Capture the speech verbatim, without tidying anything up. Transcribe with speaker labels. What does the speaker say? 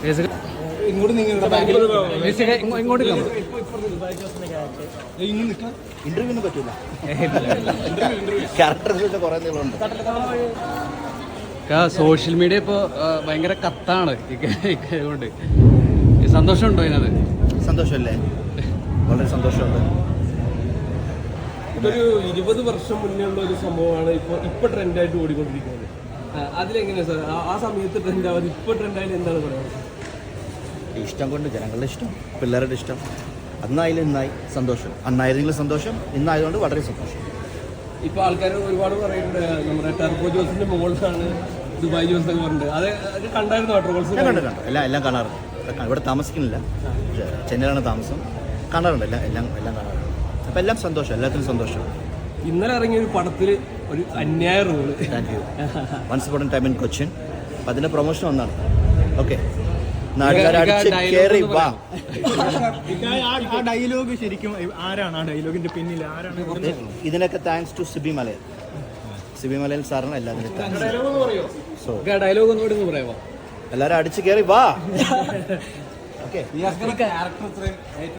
Speaker 1: ഇങ്ങോട്ട് ഇങ്ങോട്ട്
Speaker 2: ഇന്റർവ്യൂവിന് പറ്റൂല. ക്യാരക്ടർ കുറെ നീളമുണ്ട്.
Speaker 3: സോഷ്യൽ മീഡിയ ഇപ്പോൾ ഭയങ്കര കത്താണ് കൊണ്ട്. സന്തോഷമുണ്ടോ അതിനകത്ത്?
Speaker 2: സന്തോഷമല്ലേ, വളരെ സന്തോഷമുണ്ട്.
Speaker 1: ഇതൊരു ഇരുപത് വർഷം മുന്നേ ഉള്ള ഒരു സംഭവമാണ് ഇപ്പോൾ ഇപ്പോൾ ട്രെൻഡായിട്ട് ഓടിക്കൊണ്ടിരിക്കുന്നത്. അതിലെങ്ങനെയാണ് സാർ ആ സമയത്ത് ട്രെൻഡ് ആവാതെ ഇപ്പോൾ ട്രെൻഡായിട്ട് എന്താണ് പറയുന്നത്?
Speaker 2: ഇഷ്ടം കൊണ്ട്, ജനങ്ങളുടെ ഇഷ്ടം, പിള്ളേരുടെ ഇഷ്ടം. അന്നായാലും ഇന്നായി സന്തോഷം. അന്നായിരുന്നെങ്കിലും സന്തോഷം, ഇന്നായതുകൊണ്ട് വളരെ സന്തോഷം.
Speaker 1: ഇപ്പോൾ ആൾക്കാർ ഒരുപാട് പറയുന്നുണ്ട് നമ്മുടെ ടർബോ ജോസിന്റെ മോൾസാണ് ദുബായ് ജോസ് എന്ന് പറഞ്ഞിട്ട്. അത് അത് കണ്ടായിരുന്നു ട്രോൾസ്?
Speaker 2: കണ്ടു കണ്ടു എല്ലാം എല്ലാം കാണാറുണ്ട്. ഇവിടെ താമസിക്കുന്നില്ല, ചെന്നൈയിലാണ് താമസം. കാണാറുണ്ട്, എല്ലാം എല്ലാം എല്ലാം കാണാറുണ്ട്. അപ്പം എല്ലാം സന്തോഷം, എല്ലാത്തിനും സന്തോഷം.
Speaker 1: ഇന്നലെ ഇറങ്ങിയ ഒരു പടത്തിൽ ഒരു അന്യായ role.
Speaker 2: Thank you. Once upon a time in Cochin. അപ്പം അതിൻ്റെ പ്രൊമോഷൻ ഒന്നാണ്. ഓക്കെ, വാ.
Speaker 4: ആ ഡയലോഗ് ശരിക്കും ആരാണ്? ആ ഡയലോഗിന്റെ പിന്നിൽ ആരാണ്?
Speaker 2: ഇതിനൊക്കെ താങ്ക്സ് ടു സിബി മലയൻ. സിബി മലയൻ സാറിന് എല്ലാത്തിനും സോ
Speaker 1: ഡയലോഗ് ഒന്നുകൂടി ഒന്ന് പറയാമോ?
Speaker 2: എല്ലാവരും അടിച്ചു കയറി വാ. ഓക്കെ.